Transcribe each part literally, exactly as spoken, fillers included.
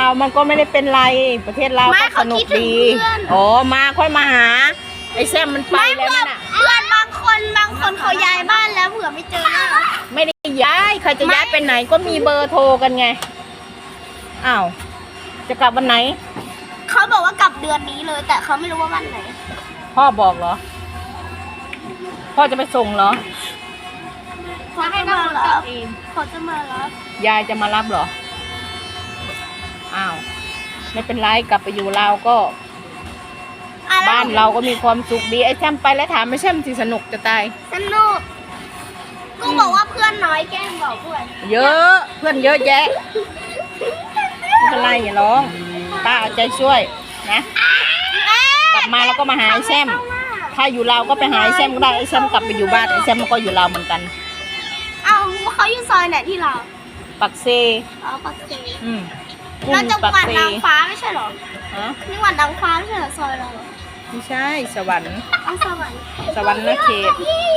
าวมันก็ไม่ได้เป็นไรประเทศลาวก็สนุกดีอ๋อมาค่อยมาหาไอ้แซมมันไปแล้วน่ะเพื่อนบางคนบางคนเขาย้ายบ้านแล้วเผื่อไม่เจอหน้าไม่ได้ย้ายใครจะย้ายไปไหนก็มีเบอร์โทรกันไงอ้าวจะกลับวันไหนเขาบอกว่ากลับเดือนนี้เลยแต่เขาไม่รู้ว่าวันไหนพ่อบอกเหรอพ่อจะไปส่งเหรอเขาจะมารับเขาจะมารับยายจะมารับเหรออ้าวไม่เป็นไรกลับไปอยู่ลาวก็บ้านเราก็มีความสุขดีไอ้แชมไปแล้วถามไม่แชมสิสนุกจะตายสนุกกูบอกว่าเพื่อนน้อยแกล้งบอกเพื่อนเยอะเพื่อนเยอะแยะไม่เป็นไรอย่าร้องป้าเอาใจช่วยนะกลับมาแล้วก็มาหาไอ้แชมถ้าอยู่ลาวก็ไปหาไอ้แชมก็ได้ไอ้แชมกลับไปอยู่บ้านไอ้แชมก็อยู่ลาวเหมือนกันเอาเขาอยู่ซอยไหนที่เราปักเซอ๋อปักเซอืมเราจังหวัดนางฟ้าไม่ใช่หรอฮะจังหวัดนางฟ้าไม่ใช่หรอซอยเราไม่ใช่สวรรค์อ๋อสวรรค์สวรรค์นะเขต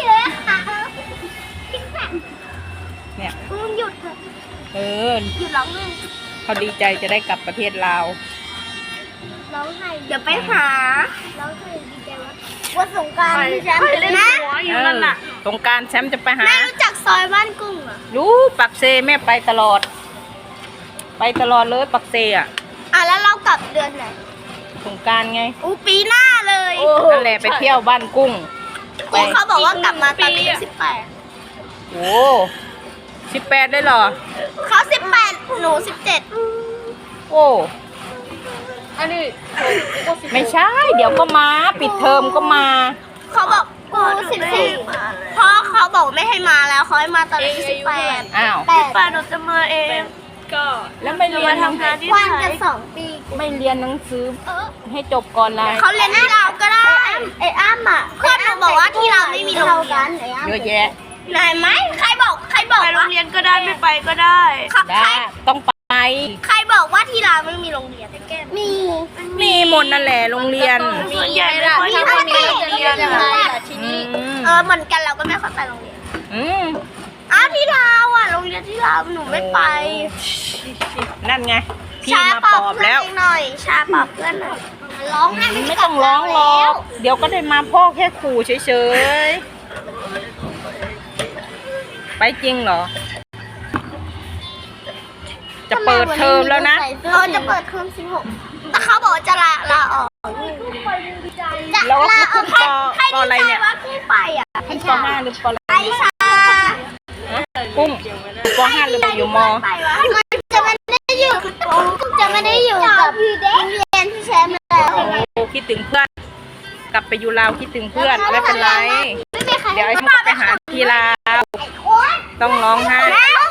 เนี่ยมึงหยุดเถอะเออหยุดร้องไห้เขาดีใจจะได้กลับประเทศลาวร้องไห้เดี๋ยวไปหาร้องไห้ดีใจว่าว่าสงกรานต์แชมป์เล่นหัวอยู่นั่นน่ะสงกรานต์แชมป์จะไปหาแม่รู้จักซอยบ้านกุ้งเหรอรู้ปักเซแม่ไปตลอดไปตลอดเลยปักเซอ่ะอ่ะแล้วเรากลับเดือนไหนสงกรานต์ไงอู้ปีหน้าเลยนั่นแหละไปเที่ยวบ้านกุ้งกุ้งเขาบอกว่ากลับมาตอนอายุสิบแปดโอ้สิบแปดได้เหรอเขาสิบแปดหนูสิบเจ็ดโอ้อันนี้ไม่ใช่เดี๋ยวก็มาปิดเทอมก็มาเขาบอกกูสิบสี่เพราะเขาบอกไม่ให้มาแล้วเขาให้มาตอนอายุสิบแปดอ้าวสิบแปดหนูจะมาเองก็แล้วไม่เรียนทำงานที่วันจะสองปีไม่เรียนหนังสือให้จบก่อนเลยเขาเรียนที่เราก็ได้ไอ้อ้ำอ่ะเพื่อนหนูบอกว่าที่เราไม่มีโรงเรียนเยอะแยะไหนไหมใครบอกใครบอกไปโรงเรียนก็ได้ไม่ไปก็ได้ได้ต้องไปใครบอกว่าที่เราไม่มีโรงเรียนแก้มีมีหมดนั่นแหละโรงเรียนส่วนใหญ่ไม่ค่อยที่คนนี้จะเรียนเออเหมือนกันเราก็ไม่ค่อยไปโรงเรียนอืมอ้าวที่เราอ่ะโรงเรียนที่เราหนูไม่ไปนั่นไงพี่มาปอบแล้วหน่อยชาปอบเพื่อนหน่อยร้องไม่ต้องร้องหรอกเดี๋ยวก็ได้มาพ่อแค่ขู่เฉยๆไปจริงเหรอจะเปิดเทอมแล้วนะเออจะเปิดเทอมสิบหกแต่เขาบอกจะลาลาออกแล้วก็ขึ้นปปอะไรเนี่ยว่าขึ้นไปอ่ะขึ้นปห้าหรือปอะไรไอชากุ้งปห้าหรืออยู่มมันจะไม่ได้อยู่จะไม่ได้อยู่กับโรงเรียนที่แชมป์แล้วโอ้คิดถึงเพื่อนกลับไปอยู่ลาวคิดถึงเพื่อนไม่เป็นไรเดี๋ยวไอ้ชมไปหาที่ลาวต้องร้องไห้